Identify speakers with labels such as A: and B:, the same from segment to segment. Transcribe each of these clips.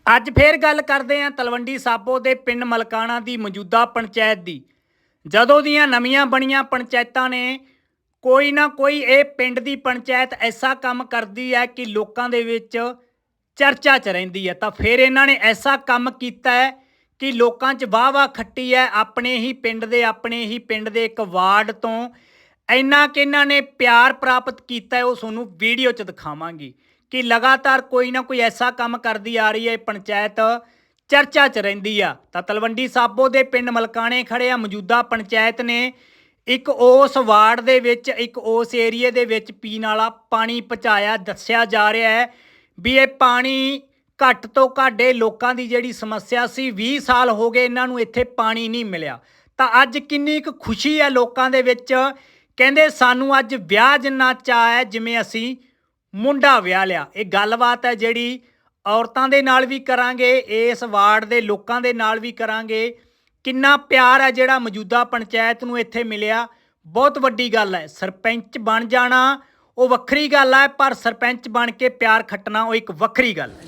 A: ਅੱਜ ਫੇਰ ਗੱਲ ਕਰਦੇ ਆਂ ਤਲਵੰਡੀ ਸਾਬੋ ਦੇ ਪਿੰਡ ਮਲਕਾਣਾ ਦੀ ਮੌਜੂਦਾ ਪੰਚਾਇਤ ਦੀ। ਜਦੋਂ ਦੀਆਂ ਨਵੀਆਂ ਬਣੀਆਂ ਪੰਚਾਇਤਾਂ ਨੇ ਕੋਈ ਨਾ ਕੋਈ ਇਹ ਪਿੰਡ ਦੀ ਪੰਚਾਇਤ ਐਸਾ ਕੰਮ ਕਰਦੀ ਹੈ ਕਿ ਲੋਕਾਂ ਦੇ ਵਿੱਚ ਚਰਚਾ 'ਚ ਰਹਿੰਦੀ ਹੈ। ਤਾਂ ਫਿਰ ਇਹਨਾਂ ਨੇ ਐਸਾ ਕੰਮ ਕੀਤਾ ਹੈ ਕਿ ਲੋਕਾਂ 'ਚ ਵਾਹ-ਵਾਹ ਖੱਟੀ ਹੈ। ਆਪਣੇ ਹੀ ਪਿੰਡ ਦੇ ਇੱਕ ਵਾਰਡ ਤੋਂ ਇੰਨਾ ਕਿ ਇਹਨਾਂ ਨੇ ਪਿਆਰ ਪ੍ਰਾਪਤ ਕੀਤਾ ਹੈ, ਉਹ ਤੁਹਾਨੂੰ ਵੀਡੀਓ 'ਚ ਦਿਖਾਵਾਂਗੇ ਕਿ ਲਗਾਤਾਰ ਕੋਈ ਨਾ ਕੋਈ ਐਸਾ ਕੰਮ ਕਰਦੀ ਆ ਰਹੀ ਹੈ ਪੰਚਾਇਤ ਚਰਚਾ 'ਚ ਰਹਿੰਦੀ ਆ। ਤਾਂ ਤਲਵੰਡੀ ਸਾਬੋ ਦੇ ਪਿੰਡ ਮਲਕਾਣੇ ਖੜੇ ਆ। ਮੌਜੂਦਾ ਪੰਚਾਇਤ ਨੇ ਇੱਕ ਉਸ ਵਾਰਡ ਦੇ ਵਿੱਚ ਇੱਕ ਉਸ ਏਰੀਏ ਦੇ ਵਿੱਚ ਪੀਣ ਵਾਲਾ ਪਾਣੀ ਪਹੁੰਚਾਇਆ। ਦੱਸਿਆ ਜਾ ਰਿਹਾ ਹੈ ਵੀ ਇਹ ਪਾਣੀ ਘੱਟ ਤੋਂ ਘੱਟ ਲੋਕਾਂ ਦੀ ਜਿਹੜੀ ਸਮੱਸਿਆ ਸੀ 20 ਸਾਲ ਹੋ ਗਏ ਇਹਨਾਂ ਨੂੰ ਇੱਥੇ ਪਾਣੀ ਨਹੀਂ ਮਿਲਿਆ। ਤਾਂ ਅੱਜ ਕਿੰਨੀ ਕੁ ਖੁਸ਼ੀ ਹੈ ਲੋਕਾਂ ਦੇ ਵਿੱਚ। ਕਹਿੰਦੇ ਸਾਨੂੰ ਅੱਜ ਵਿਆਹ ਜਿੰਨਾ ਚਾਅ ਹੈ ਜਿਵੇਂ ਅਸੀਂ ਮੁੰਡਾ ਵਿਆਹ ਲਿਆ। ਇਹ ਗੱਲਬਾਤ ਹੈ ਜਿਹੜੀ ਔਰਤਾਂ ਦੇ ਨਾਲ ਵੀ ਕਰਾਂਗੇ, ਇਸ ਵਾਰਡ ਦੇ ਲੋਕਾਂ ਦੇ ਨਾਲ ਵੀ ਕਰਾਂਗੇ। ਕਿੰਨਾ ਪਿਆਰ ਹੈ ਜਿਹੜਾ ਮੌਜੂਦਾ ਪੰਚਾਇਤ ਨੂੰ ਇੱਥੇ ਮਿਲਿਆ, ਬਹੁਤ ਵੱਡੀ ਗੱਲ ਹੈ। ਸਰਪੰਚ ਬਣ ਜਾਣਾ ਉਹ ਵੱਖਰੀ ਗੱਲ ਹੈ, ਪਰ ਸਰਪੰਚ ਬਣ ਕੇ ਪਿਆਰ ਖੱਟਣਾ ਉਹ ਇੱਕ ਵੱਖਰੀ ਗੱਲ ਹੈ।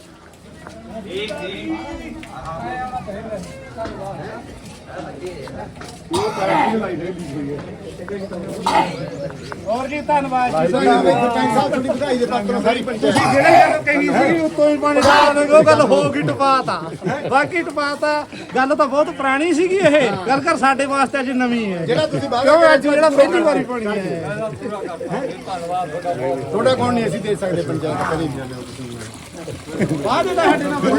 B: ਹੋਰ ਜੀ ਧੰਨਵਾਦ ਜੀ ਸਰਪੰਚ ਸਾਹਿਬ ਤੁਹਾਡੀ ਵਧਾਈ ਦੇ ਪਾਤਰ ਸਾਰੀ ਪੰਚਾਇਤ ਤੁਸੀਂ ਜਿਹੜੇ ਗੱਲ ਕਹੀ ਸੀ ਉੱਤੋਂ ਹੀ ਪਾਣੀ ਸਾਰ ਉਹ ਗੱਲ ਹੋ ਗਈ ਟਪਾਤਾ ਬਾਕੀ ਟਪਾਤਾ ਗੱਲ ਤਾਂ ਬਹੁਤ ਪੁਰਾਣੀ ਸੀਗੀ ਇਹ ਗੱਲ ਕਰ ਸਾਡੇ ਵਾਸਤੇ ਅੱਜ ਨਵੀਂ ਹੈ ਜਿਹੜਾ ਤੁਸੀਂ ਕਿਉਂ ਅੱਜ ਜਿਹੜਾ ਪਹਿਲੀ ਵਾਰੀ ਪਾਣੀ ਹੈ ਥੋੜਾ ਕੌਣ ਨਹੀਂ ਅਸੀਂ ਦੇ ਸਕਦੇ ਪੰਚਾਇਤ ਕਰੀ ਬਾਅਦ ਦਾ ਸਾਡੇ ਨਾਲ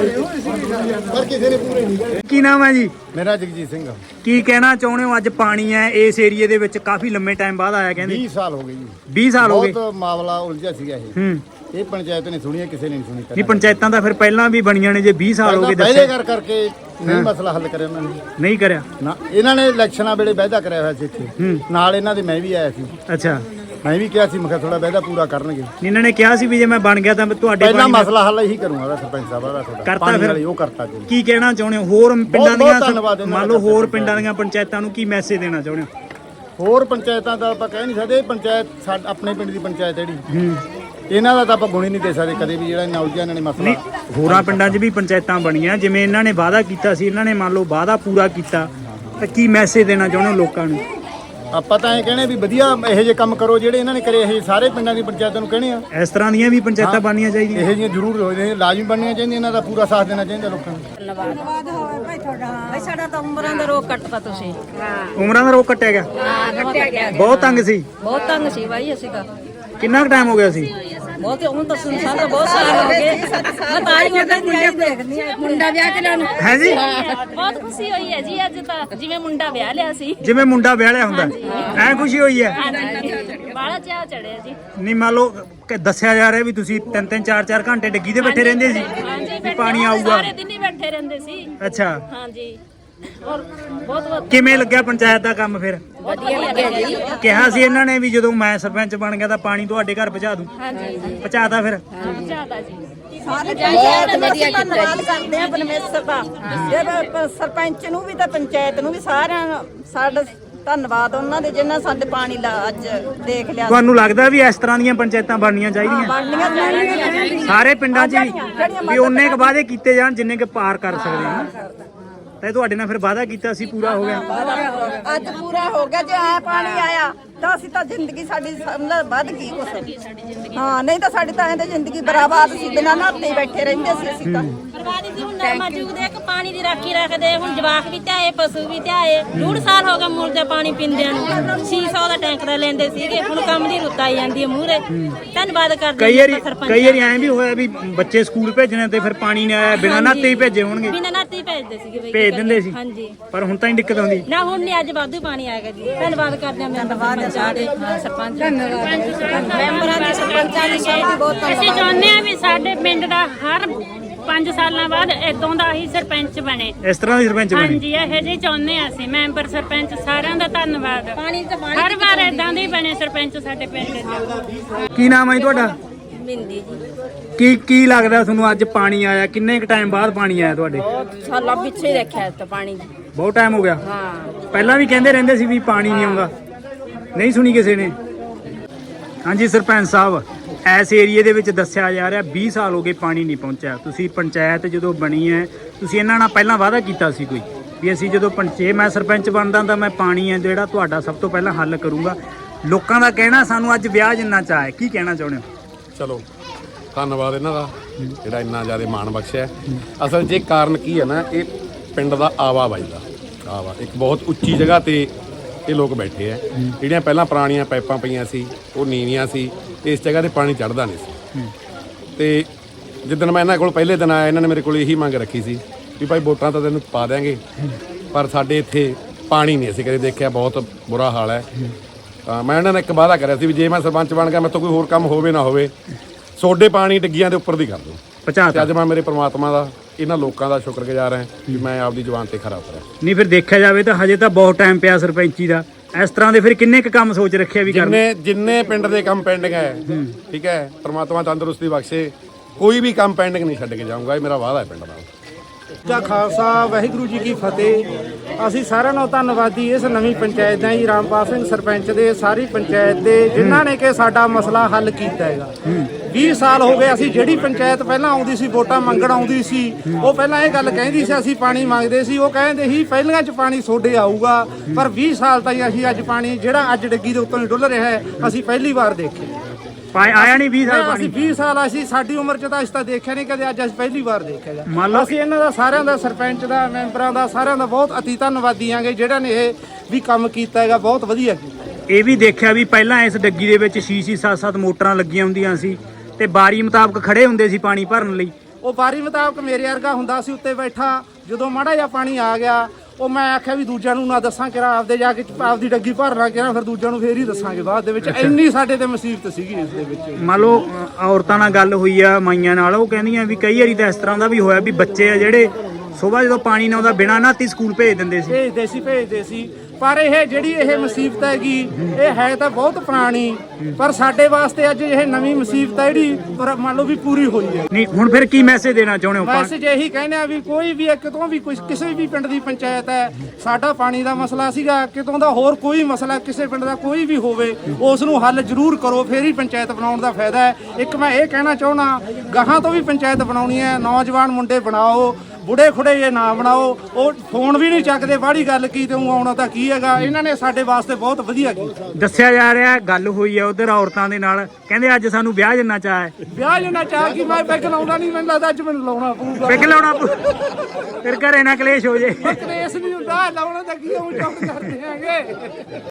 B: ਪਰ ਕਿਸੇ ਨੇ ਪੂਰੇ ਨਹੀਂ।
A: ਕੀ ਨਾਮ ਹੈ ਜੀ?
B: ਮੇਰਾ ਜਗਜੀਤ ਸਿੰਘ।
A: ਕੀ ਕਹਿਣਾ ਚਾਹੁੰਦੇ ਹੋ? ਅੱਜ ਪਾਣੀ ਹੈ ਇਸ ਏਰੀਏ ਦੇ ਵਿੱਚ ਕਾਫੀ ਲੰਮੇ ਟਾਈਮ ਬਾਅਦ ਆਇਆ, ਕਹਿੰਦੇ
B: 20 ਸਾਲ ਹੋ ਗਏ ਜੀ।
A: 20 ਸਾਲ ਹੋ ਗਏ।
B: ਬਹੁਤ ਮਾਮਲਾ ਉਲਝਿਆ ਸੀਗਾ ਇਹ ਪੰਚਾਇਤ ਨੇ ਸੁਣੀ ਕਿਸੇ ਨੇ ਨਹੀਂ ਸੁਣੀ।
A: ਨਹੀਂ ਪੰਚਾਇਤਾਂ ਤਾਂ ਫਿਰ ਪਹਿਲਾਂ ਵੀ ਬਣੀਆਂ ਨੇ, ਜੇ 20 ਸਾਲ ਹੋ ਗਏ
B: ਪਹਿਲੇ ਕਰਕੇ ਨਹੀਂ ਮਸਲਾ ਹੱਲ ਕਰਿਆ ਉਹਨਾਂ ਨੇ।
A: ਨਹੀਂ ਕਰਿਆ
B: ਨਾ ਇਹਨਾਂ ਨੇ ਇਲੈਕਸ਼ਨਾਂ ਵੇਲੇ ਵਾਅਦਾ ਕਰਿਆ ਹੋਇਆ ਸੀ ਇੱਥੇ ਨਾਲ ਇਹਨਾਂ ਦੇ ਮੈਂ ਵੀ ਆਇਆ ਸੀ।
A: ਅੱਛਾ
B: ਮੈਂ ਵੀ ਕਿਹਾ ਸੀ ਮੈਂ ਕਿਹਾ ਥੋੜਾ ਵਾਅਦਾ ਪੂਰਾ ਕਰਨਗੇ।
A: ਇਹਨਾਂ ਨੇ ਕਿਹਾ ਸੀ ਵੀ ਜੇ ਮੈਂ ਬਣ ਗਿਆ ਤਾਂ ਤੁਹਾਡੇ
B: ਪਹਿਲਾਂ ਮਸਲਾ ਹੱਲ ਇਹੀ ਕਰੂੰਗਾ ਸਰਪੰਚ ਸਾਹਿਬ ਦਾ ਤੁਹਾਡਾ
A: ਕਰਤਾ ਫਿਰ
B: ਉਹ ਕਰਤਾ ਜੀ।
A: ਕੀ ਕਹਿਣਾ ਚਾਹੁੰਦੇ ਹੋ ਹੋਰ ਪਿੰਡਾਂ ਦੀਆਂ, ਮੰਨ ਲਓ ਹੋਰ
B: ਦਾ
A: ਪਿੰਡਾਂ ਦੀਆਂ ਪੰਚਾਇਤਾਂ ਨੂੰ ਕੀ ਮੈਸੇਜ ਦੇਣਾ ਚਾਹੁੰਦੇ ਹੋ?
B: ਹੋਰ ਪੰਚਾਇਤਾਂ ਦਾ ਆਪਾਂ ਕਹਿ ਨਹੀਂ ਸਕਦੇ। ਪੰਚਾਇਤ ਆਪਣੇ ਪਿੰਡ ਦੀ ਪੰਚਾਇਤ ਜਿਹੜੀ ਇਹਨਾਂ ਦਾ ਤਾਂ ਆਪਾਂ ਗੁਣ ਹੀ ਨਹੀਂ ਦੇ ਸਕਦੇ ਕਦੇ ਵੀ ਜਿਹੜਾ ਇੰਨਾ ਉਲਝਿਆ ਇਹਨਾਂ ਨੇ ਮਸਲਾ।
A: ਹੋਰਾਂ ਪਿੰਡਾਂ 'ਚ ਵੀ ਪੰਚਾਇਤਾਂ ਬਣੀਆਂ ਜਿਵੇਂ ਇਹਨਾਂ ਨੇ ਵਾਅਦਾ ਕੀਤਾ ਸੀ, ਇਹਨਾਂ ਨੇ ਮੰਨ ਲਓ ਵਾਅਦਾ ਪੂਰਾ ਕੀਤਾ, ਤਾਂ ਕੀ ਮੈਸੇਜ ਦੇਣਾ ਚਾਹੁੰਦੇ ਹੋ ਲੋਕਾਂ ਨੂੰ?
B: ਆਪਾਂ ਤਾਂ ਇਹ ਕਹਿਣੇ ਵੀ ਵਧੀਆ ਇਹੋ ਜਿਹੇ ਕੰਮ ਕਰੋ ਜਿਹੜੇ ਇਹਨਾਂ ਨੇ ਕਰੇ। ਇਹ ਸਾਰੇ ਪਿੰਡਾਂ ਦੀ ਪੰਚਾਇਤਾਂ ਨੂੰ ਕਹਿਣੇ ਆ
A: ਇਸ ਤਰ੍ਹਾਂ ਦੀਆਂ ਵੀ ਪੰਚਾਇਤਾਂ ਬਣਨੀਆਂ ਚਾਹੀਦੀਆਂ।
B: ਇਹੋ ਜਿਹੀਆਂ ਜ਼ਰੂਰ ਹੋਏ ਲਾਜ਼ਮੀ ਬਣਨੀਆਂ ਚਾਹੀਦੀਆਂ। ਇਹਨਾਂ ਦਾ ਪੂਰਾ ਸਾਥ ਦੇਣਾ ਚਾਹੀਦਾ ਲੋਕਾਂ ਨੂੰ।
C: ਧੰਨਵਾਦ ਹੋਵੇ ਭਾਈ ਤੁਹਾਡਾ। ਭਾਈ ਸਾਡਾ ਤਾਂ ਉਮਰਾਂ ਦਾ ਰੋਗ ਕੱਟਤਾ ਤੁਸੀਂ।
A: ਉਮਰਾਂ ਦਾ ਰੋਗ ਕੱਟਿਆ ਗਿਆ?
C: ਹਾਂ ਕੱਟਿਆ ਗਿਆ।
A: ਬਹੁਤ ਤੰਗ ਸੀ?
C: ਬਹੁਤ ਤੰਗ ਸੀ ਭਾਈ ਅਸੀਂ ਤਾਂ।
A: ਕਿੰਨਾ ਕੁ ਟਾਈਮ ਹੋ ਗਿਆ ਸੀ?
C: ਬਹੁਤ ਹੁਣ ਤਾਂ ਸੁਨਸਾਨ ਤਾਂ ਬਹੁਤ ਸਾਲ ਹੋ ਗਏ। ਮੈਂ ਤਾਂ ਹੀ ਉਹਦਾ ਨਹੀਂ ਦੇਖਦੀ ਮੁੰਡਾ ਵਿਆਹ ਕੇ ਲੈਣ
A: ਹੈ ਜੀ।
D: ਬਹੁਤ ਖੁਸ਼ੀ ਹੋਈ ਹੈ ਜੀ ਅੱਜ ਤਾਂ, ਜਿਵੇਂ ਮੁੰਡਾ ਵਿਆਹ ਲਿਆ ਸੀ।
A: ਜਿਵੇਂ ਮੁੰਡਾ ਵਿਆਹ ਲਿਆ ਹੁੰਦਾ ਐ ਖੁਸ਼ੀ ਹੋਈ ਹੈ?
D: ਬਾਹਲਾ ਚਾਅ ਚੜਿਆ ਜੀ।
A: ਨਹੀਂ ਮੰਨ ਲਓ ਕਿ ਦੱਸਿਆ ਜਾ ਰਿਹਾ ਵੀ ਤੁਸੀਂ 3-3 4-4 ਘੰਟੇ ਡੱਗੀ ਤੇ ਬੈਠੇ ਰਹਿੰਦੇ ਸੀ ਵੀ ਪਾਣੀ ਆਊਗਾ।
D: ਸਾਰੇ ਦਿਨ ਹੀ ਬੈਠੇ ਰਹਿੰਦੇ ਸੀ।
A: ਅੱਛਾ
D: ਹਾਂਜੀ ਔਰ ਬਹੁਤ
A: ਕਿਵੇਂ ਲੱਗਿਆ ਪੰਚਾਇਤ ਦਾ ਕੰਮ ਫਿਰ?
C: ਵਧੀਆ ਲੱਗਿਆ ਜੀ।
A: ਕਿਹਾ ਸੀ ਇਹਨਾਂ ਨੇ ਵੀ ਜਦੋਂ ਮੈਂ ਸਰਪੰਚ ਬਣ ਗਿਆ ਤਾਂ ਪਾਣੀ ਤੁਹਾਡੇ ਘਰ ਪਹੁੰਚਾ ਦੂੰ।
D: ਹਾਂਜੀ
A: ਪਹੁੰਚਾਤਾ ਫਿਰ?
D: ਜ਼ਿਆਦਾ ਜੀ।
C: ਸਾਰੇ ਬਹੁਤ ਵਧੀਆ ਧੰਨਵਾਦ ਕਰਦੇ ਆ ਪਰਮੇਸ਼ਰ ਦਾ। ਸਰਪੰਚ ਨੂੰ ਵੀ ਤਾਂ ਪੰਚਾਇਤ ਨੂੰ ਵੀ ਸਾਰਿਆਂ ਨੂੰ ਸਾਡਾ ਧੰਨਵਾਦ ਉਹਨਾਂ ਦੇ ਜਿਨ੍ਹਾਂ ਸਾਡੇ ਪਾਣੀ ਦਾ ਅੱਜ ਦੇਖ ਲਿਆ।
A: ਤੁਹਾਨੂੰ ਲੱਗਦਾ ਵੀ ਇਸ ਤਰ੍ਹਾਂ ਦੀਆਂ ਪੰਚਾਇਤਾਂ ਬਣਨੀਆਂ ਚਾਹੀਦੀਆਂ
C: ਬਣਨੀਆਂ ਚਾਹੀਦੀਆਂ
A: ਸਾਰੇ ਪਿੰਡਾਂ 'ਚ ਵੀ ਉਹਨੇ ਕੁ ਵਾਅਦੇ ਕੀਤੇ ਜਾਣ ਜਿੰਨੇ ਕੁ ਪਾਰ ਕਰ ਸਕਦੇ ਆ? ਤਾਂ ਤੁਹਾਡੇ ਨਾਲ ਫਿਰ ਵਾਅਦਾ ਕੀਤਾ ਸੀ, ਪੂਰਾ ਹੋ ਗਿਆ?
C: ਅੱਜ ਪੂਰਾ ਹੋ ਗਿਆ। ਜੇ ਆ ਪਾਣੀ ਆਇਆ ਤਾਂ ਅਸੀਂ ਤਾਂ ਜ਼ਿੰਦਗੀ ਸਾਡੀ ਵੱਧ ਗਈ ਕੁਛ। ਹਾਂ ਨਹੀਂ ਤਾਂ ਸਾਡੀ ਤਾਂ ਐਂ ਜ਼ਿੰਦਗੀ ਬਰਾਬਾਦ ਸੀ। ਬਿਨਾਂ ਨਹਾਤੇ ਬੈਠੇ ਰਹਿੰਦੇ ਸੀ ਅਸੀਂ ਤਾਂ।
D: ਬਰਬਾਦੀ ਦੀ ਹੁਣ ਨਾ ਮੌਜੂਦ ਹੈ ਕਿ ਪਾਣੀ ਦੀ ਰਾਖੀ ਰੱਖਦੇ। ਹੁਣ ਜਵਾਕ ਵੀ ਧਿਆਏ, ਪਸ਼ੂ ਵੀ ਧਿਆਏ। 1.5 ਸਾਲ ਹੋ ਗਿਆ ਮੁਰਦੇ ਪਾਣੀ ਪੀਂਦਿਆਂ ਨੂੰ। 600 ਦਾ ਟੈਂਕ ਦਾ ਲੈਂਦੇ ਸੀਗੇ। ਹੁਣ ਕੰਮ ਦੀ ਰੁੱਤ ਆਈ ਜਾਂਦੀ ਹੈ ਮੂਹਰੇ। ਧੰਨਵਾਦ ਕਰਦੇ
A: ਕਈ ਵਾਰੀ ਐਂ ਵੀ ਹੋਇਆ ਵੀ ਬੱਚੇ ਸਕੂਲ ਭੇਜਣੇ ਤੇ ਫਿਰ ਪਾਣੀ ਨਹੀਂ ਆਇਆ, ਬਿਨਾਂ ਨਹਾਤੇ ਹੀ ਭੇਜੇ ਹੋਣਗੇ।
D: ਬਿਨਾਂ ਨਾਤੇ ਹੀ ਭੇਜਦੇ ਸੀਗੇ ਬਈ।
A: ਭੇਜ ਦਿੰਦੇ ਸੀ
D: ਹਾਂਜੀ
A: ਪਰ ਹੁਣ ਤਾਂ ਹੀ ਦਿੱਕਤ ਆਉਂਦੀ
D: ਨਾ। ਹੁਣ ਨਹੀਂ, ਅੱਜ ਵਾਧੂ ਪਾਣੀ ਆਏਗਾ ਜੀ। ਧੰਨਵਾਦ ਕਰਦੇ ਹਾਂ ਮੈਂਬਰਾਂ ਦੇ, ਸਰਪੰਚ
C: ਮੈਂਬਰਾਂ ਦੇ, ਸਰਪੰਚਾਂ ਦੀ ਸਭ ਦੀ ਬਹੁਤ
D: ਅਸੀਂ ਚਾਹੁੰਦੇ ਹਾਂ ਵੀ ਸਾਡੇ ਪਿੰਡ ਦਾ ਹਰ 5 ਸਾਲਾਂ ਬਾਅਦ ਇਦਾਂ ਦਾ ਹੀ ਸਰਪੰਚ ਬਣੇ।
A: ਇਸ ਤਰ੍ਹਾਂ ਦੀ ਸਰਪੰਚ ਬਣੇ?
D: ਹਾਂਜੀ ਇਹੋ ਜਿਹੇ ਚਾਹੁੰਦੇ ਹਾਂ ਅਸੀਂ। ਮੈਂਬਰ ਸਰਪੰਚ ਸਾਰਿਆਂ ਦਾ ਧੰਨਵਾਦ। ਹਰ ਵਾਰ ਇਦਾਂ ਦੇ ਬਣੇ ਸਰਪੰਚ ਸਾਡੇ ਪਿੰਡ ਦੇ।
A: ਕੀ ਨਾਮ ਹੈ ਜੀ ਤੁਹਾਡਾ?
C: ਮਿੰਦੀ ਜੀ।
A: ਕੀ ਲੱਗਦਾ ਤੁਹਾਨੂੰ ਅੱਜ ਪਾਣੀ ਆਇਆ? ਕਿੰਨੇ ਕ ਟਾਈਮ ਬਾਅਦ ਪਾਣੀ ਆਇਆ ਤੁਹਾਡੇ?
C: ਬਹੁਤ ਸਾਲਾਂ ਪਿੱਛੇ ਰੱਖਿਆ ਤਾਂ ਪਾਣੀ।
A: ਬਹੁਤ ਟਾਈਮ ਹੋ ਗਿਆ।
C: ਹਾਂ
A: ਪਹਿਲਾਂ ਵੀ ਕਹਿੰਦੇ ਰਹਿੰਦੇ ਸੀ ਵੀ ਪਾਣੀ ਨਹੀਂ ਆਉਂਦਾ, ਨਹੀਂ ਸੁਣੀ ਕਿਸੇ ਨੇ। ਹਾਂਜੀ ਸਰਪੰਚ ਸਾਹਿਬ ਇਸ ਏਰੀਏ ਦੇ ਵਿੱਚ ਦੱਸਿਆ ਜਾ ਰਿਹਾ 20 ਸਾਲ ਹੋ ਗਏ ਪਾਣੀ ਨਹੀਂ ਪਹੁੰਚਿਆ। ਤੁਸੀਂ ਪੰਚਾਇਤ ਜਦੋਂ ਬਣੀ ਹੈ ਤੁਸੀਂ ਇਹਨਾਂ ਨਾਲ ਪਹਿਲਾਂ ਵਾਅਦਾ ਕੀਤਾ ਸੀ ਕੋਈ ਵੀ ਅਸੀਂ ਜਦੋਂ ਮੈਂ ਸਰਪੰਚ ਬਣਦਾ ਤਾਂ ਮੈਂ ਪਾਣੀ ਹੈ ਜਿਹੜਾ ਤੁਹਾਡਾ ਸਭ ਤੋਂ ਪਹਿਲਾਂ ਹੱਲ ਕਰੂੰਗਾ। ਲੋਕਾਂ ਦਾ ਕਹਿਣਾ ਸਾਨੂੰ ਅੱਜ ਵਿਆਹ ਜਿੰਨਾ ਚਾਅ ਹੈ, ਕੀ ਕਹਿਣਾ ਚਾਹੁੰਦੇ ਹੋ?
E: ਚਲੋ ਧੰਨਵਾਦ ਇਹਨਾਂ ਦਾ ਜਿਹੜਾ ਇੰਨਾ ਜ਼ਿਆਦਾ ਮਾਣ ਬਖਸ਼ਿਆ। ਅਸਲ 'ਚ ਇਹ ਕਾਰਨ ਕੀ ਹੈ ਨਾ, ਇਹ ਪਿੰਡ ਦਾ ਆਵਾਬਾਈ ਦਾ ਇੱਕ ਬਹੁਤ ਉੱਚੀ ਜਗ੍ਹਾ ਤੇ ਇਹ ਲੋਕ ਬੈਠੇ ਆ। ਜਿਹੜੀਆਂ ਪਹਿਲਾਂ ਪੁਰਾਣੀਆਂ ਪਾਈਪਾਂ ਪਈਆਂ ਸੀ ਉਹ ਨੀਵੀਆਂ ਸੀ ਤੇ ਇਸ ਜਗ੍ਹਾ ਤੇ ਪਾਣੀ ਚੜ੍ਹਦਾ ਨਹੀਂ ਸੀ। ਤੇ ਜਿੱਦਣ ਮੈਂ ਇਹਨਾਂ ਕੋਲ ਪਹਿਲੇ ਦਿਨ ਆਇਆ ਇਹਨਾਂ ਨੇ ਮੇਰੇ ਕੋਲ ਇਹੀ ਮੰਗ ਰੱਖੀ ਸੀ ਵੀ ਭਾਈ ਵੋਟਾਂ ਤਾਂ ਤੈਨੂੰ ਪਾ ਦਿਆਂਗੇ ਪਰ ਸਾਡੇ ਇੱਥੇ ਪਾਣੀ ਨਹੀਂ ਅਸੀਂ ਕਦੇ ਦੇਖਿਆ, ਬਹੁਤ ਬੁਰਾ ਹਾਲ ਹੈ। ਤਾਂ ਮੈਂ ਇਹਨਾਂ ਨੇ ਇੱਕ ਵਾਅਦਾ ਕਰਿਆ ਸੀ ਵੀ ਜੇ ਮੈਂ ਸਰਪੰਚ ਬਣ ਗਿਆ ਮੇਰੇ ਤੋਂ ਕੋਈ ਹੋਰ ਕੰਮ ਹੋਵੇ ਨਾ ਹੋਵੇ ਸੋਡੇ ਪਾਣੀ ਡਿੱਗੀਆਂ ਦੇ ਉੱਪਰ ਦੀ ਕਰ ਦੂੰ। ਤੇ ਅੱਜ ਮੈਂ ਮੇਰੇ ਪ੍ਰਮਾਤਮਾ ਦਾ ਇਹਨਾਂ ਲੋਕਾਂ ਦਾ ਸ਼ੁਕਰਗੁਜ਼ਾਰ ਹਾਂ ਕਿ ਮੈਂ ਆਪਦੀ ਜ਼ੁਬਾਨ ਤੇ ਖਰਾ ਉਤਰਿਆ।
A: ਨਹੀਂ ਫਿਰ ਦੇਖਿਆ ਜਾਵੇ ਤਾਂ ਹਜੇ ਤਾਂ ਬਹੁਤ ਟਾਈਮ ਪਿਆ ਸਰਪੰਚੀ ਦਾ। ਇਸ ਤਰ੍ਹਾਂ ਦੇ ਫਿਰ ਕਿੰਨੇ ਕੁ ਕੰਮ ਸੋਚ ਰੱਖਿਆ ਵੀ ਕਰਨੇ?
E: ਜਿੰਨੇ ਪਿੰਡ ਦੇ ਕੰਮ ਪੈਂਡਿੰਗ ਹੈ, ਠੀਕ ਹੈ, ਪ੍ਰਮਾਤਮਾ ਤੰਦਰੁਸਤੀ ਬਖਸ਼ੇ, ਕੋਈ ਵੀ ਕੰਮ ਪੈਂਡਿੰਗ ਨਹੀਂ ਛੱਡ ਕੇ ਜਾਊਂਗਾ। ਇਹ ਮੇਰਾ ਵਾਅਦਾ ਹੈ ਪਿੰਡ ਨਾਲ।
B: ਦਾ ਖਾਲਸਾ ਵਾਹਿਗੁਰੂ ਜੀ ਕੀ ਫਤਿਹ। ਅਸੀਂ ਸਾਰਿਆਂ ਨੂੰ ਧੰਨਵਾਦੀ ਇਸ ਨਵੀਂ ਪੰਚਾਇਤ ਦਾ ਜੀ, ਰਾਮਪਾਲ ਸਿੰਘ ਸਰਪੰਚ ਦੇ, ਸਾਰੀ ਪੰਚਾਇਤ ਦੇ ਜਿਨ੍ਹਾਂ ਨੇ ਕਿ ਸਾਡਾ ਮਸਲਾ ਹੱਲ ਕੀਤਾ ਹੈਗਾ। 20 ਸਾਲ ਹੋ ਗਏ ਅਸੀਂ ਜਿਹੜੀ ਪੰਚਾਇਤ ਪਹਿਲਾਂ ਆਉਂਦੀ ਸੀ ਵੋਟਾਂ ਮੰਗਣ ਆਉਂਦੀ ਸੀ ਉਹ ਪਹਿਲਾਂ ਇਹ ਗੱਲ ਕਹਿੰਦੀ ਸੀ ਅਸੀਂ ਪਾਣੀ ਮੰਗਦੇ ਸੀ, ਉਹ ਕਹਿੰਦੇ ਸੀ ਪਹਿਲੀਆਂ 'ਚ ਪਾਣੀ ਤੁਹਾਡੇ ਆਊਗਾ, ਪਰ 20 ਸਾਲ ਤਾਈਂ ਅਸੀਂ ਅੱਜ ਪਾਣੀ ਜਿਹੜਾ ਅੱਜ ਡੱਗੀ ਦੇ ਉੱਤੋਂ ਹੀ ਡੁੱਲ ਰਿਹਾ ਹੈ ਅਸੀਂ ਪਹਿਲੀ ਵਾਰ ਦੇਖਿਆ।
A: ਆਇਆ ਨਹੀਂ 20 ਸਾਲ ਪਾਣੀ।
B: ਅਸੀਂ 20 ਸਾਲ ਅਸੀਂ ਸਾਡੀ ਉਮਰ 'ਚ ਤਾਂ ਅਸੀਂ ਤਾਂ ਦੇਖਿਆ ਨਹੀਂ ਕਦੇ, ਅੱਜ ਅਸੀਂ ਪਹਿਲੀ ਵਾਰ ਦੇਖਿਆ। ਅਸੀਂ ਇਹਨਾਂ ਦਾ ਸਾਰਿਆਂ ਦਾ, ਸਰਪੰਚ ਦਾ, ਮੈਂਬਰਾਂ ਦਾ, ਸਾਰਿਆਂ ਦਾ ਬਹੁਤ ਅਤੀ ਧੰਨਵਾਦੀ ਆਂਗੇ ਜਿਹੜਾ ਨੇ ਇਹ ਵੀ ਕੰਮ ਕੀਤਾ ਹੈਗਾ, ਬਹੁਤ ਵਧੀਆ ਕੀਤਾ।
A: ਇਹ ਵੀ ਦੇਖਿਆ ਵੀ ਪਹਿਲਾਂ ਇਸ ਡੱਗੀ ਦੇ ਵਿੱਚ 6-6 7-7 ਮੋਟਰਾਂ ਲੱਗੀਆਂ ਹੁੰਦੀਆਂ ਸੀ ਤੇ ਬਾਰੀ ਮੁਤਾਬਕ ਖੜੇ ਹੁੰਦੇ ਸੀ ਪਾਣੀ ਭਰਨ ਲਈ।
B: ਉਹ ਬਾਰੀ ਮੁਤਾਬਕ ਮੇਰੇ ਵਰਗਾ ਹੁੰਦਾ ਸੀ ਉੱਤੇ ਬੈਠਾ, ਜਦੋਂ ਮਾੜਾ ਜਿਹਾ ਪਾਣੀ ਆ ਗਿਆ ਉਹ ਮੈਂ ਆਖਿਆ ਵੀ ਦੂਜਿਆਂ ਨੂੰ ਨਾ ਦੱਸਾਂ ਕਿਰਾ ਆਪਦੇ ਜਾ ਕੇ ਆਪਦੀ ਡੱਗੀ ਭਰਨਾ ਕਿਰਾ, ਫਿਰ ਦੂਜਿਆਂ ਨੂੰ ਫੇਰ ਹੀ ਦੱਸਾਂਗੇ ਬਾਅਦ ਦੇ ਵਿੱਚ। ਇੰਨੀ ਸਾਡੇ ਤੇ ਮੁਸੀਬਤ ਸੀਗੀ ਇਸ ਦੇ ਵਿੱਚ।
A: ਮੰਨ ਲਓ ਔਰਤਾਂ ਨਾਲ ਗੱਲ ਹੋਈ ਆ ਮਾਈਆਂ ਨਾਲ, ਉਹ ਕਹਿੰਦੀਆਂ ਵੀ ਕਈ ਵਾਰੀ ਤਾਂ ਇਸ ਤਰ੍ਹਾਂ ਦਾ ਵੀ ਹੋਇਆ ਵੀ ਬੱਚੇ ਆ ਜਿਹੜੇ ਸੁਬਾਹ ਜਦੋਂ ਪਾਣੀ ਨਾ ਆਉਂਦਾ ਬਿਨਾਂ ਨਹਾਤੀ ਸਕੂਲ ਭੇਜ ਦਿੰਦੇ ਸੀ।
B: ਭੇਜਦੇ ਸੀ ਪਰ ਇਹ ਜਿਹੜੀ ਇਹ ਮੁਸੀਬਤ ਹੈਗੀ ਇਹ ਹੈ ਤਾਂ ਬਹੁਤ ਪੁਰਾਣੀ, ਪਰ ਸਾਡੇ ਵਾਸਤੇ ਅੱਜ ਇਹ ਨਵੀਂ ਮੁਸੀਬਤ ਹੈ ਜਿਹੜੀ ਮੰਨ ਲਓ ਵੀ ਪੂਰੀ ਹੋਈ ਹੈ।
A: ਨਹੀਂ ਹੁਣ ਫਿਰ ਕੀ ਮੈਸੇਜ ਦੇਣਾ ਚਾਹੁੰਦੇ ਹੋ?
B: ਮੈਸੇਜ ਇਹੀ ਕਹਿੰਦੇ ਆ ਵੀ ਕੋਈ ਵੀ ਕਿਤੋਂ ਵੀ ਕਿਸੇ ਵੀ ਪਿੰਡ ਦੀ ਪੰਚਾਇਤ ਹੈ, ਸਾਡਾ ਪਾਣੀ ਦਾ ਮਸਲਾ ਸੀਗਾ, ਕਿਤੋਂ ਦਾ ਹੋਰ ਕੋਈ ਮਸਲਾ ਕਿਸੇ ਪਿੰਡ ਦਾ ਕੋਈ ਵੀ ਹੋਵੇ ਉਸ ਨੂੰ ਹੱਲ ਜ਼ਰੂਰ ਕਰੋ, ਫੇਰ ਹੀ ਪੰਚਾਇਤ ਬਣਾਉਣ ਦਾ ਫਾਇਦਾ ਹੈ। ਇੱਕ ਮੈਂ ਇਹ ਕਹਿਣਾ ਚਾਹੁੰਦਾ ਗਾਹਾਂ ਤੋਂ ਵੀ ਪੰਚਾਇਤ ਬਣਾਉਣੀ ਹੈ, ਨੌਜਵਾਨ ਮੁੰਡੇ ਬਣਾਓ, ਬੁੜੇ ਖੁੜੇ ਇਹ ਨਾ ਬਣਾਓ। ਉਹ ਫੋਨ ਵੀ ਨਹੀਂ ਚੱਕਦੇ, ਬਾਹੜੀ ਗੱਲ ਕੀ ਤੇ ਉਹ ਆਉਣਾ ਤਾਂ ਕੀ ਹੈਗਾ। ਇਹਨਾਂ ਨੇ ਸਾਡੇ ਵਾਸਤੇ ਬਹੁਤ ਵਧੀਆ ਕੀਤਾ।
A: ਦੱਸਿਆ ਜਾ ਰਿਹਾ ਗੱਲ ਹੋਈ ਆ ਉਧਰ ਔਰਤਾਂ ਦੇ ਨਾਲ, ਕਹਿੰਦੇ ਅੱਜ ਸਾਨੂੰ ਵਿਆਹ ਜਿੰਨਾ ਚਾਹ ਹੈ।
B: ਵਿਆਹ ਜਿੰਨਾ ਚਾਹ ਕੀ ਮੈਂ ਪੈਗ ਲਾਉਣਾ ਨਹੀਂ, ਮੈਨੂੰ ਲੱਗਦਾ ਅੱਜ ਮੈਨੂੰ ਲਾਉਣਾ ਪਊਗਾ।
A: ਪੈਗ ਲਾਉਣਾ ਫਿਰ ਘਰੇ ਨਾ ਕਲੇਸ਼ ਹੋ ਜੇ।
B: ਕਲੇਸ਼ ਨਹੀਂ ਹੁੰਦਾ, ਲਾਉਣਾ ਤਾਂ ਕੀ ਉਹ ਚੌਕ ਕਰਦੇ ਆਂਗੇ।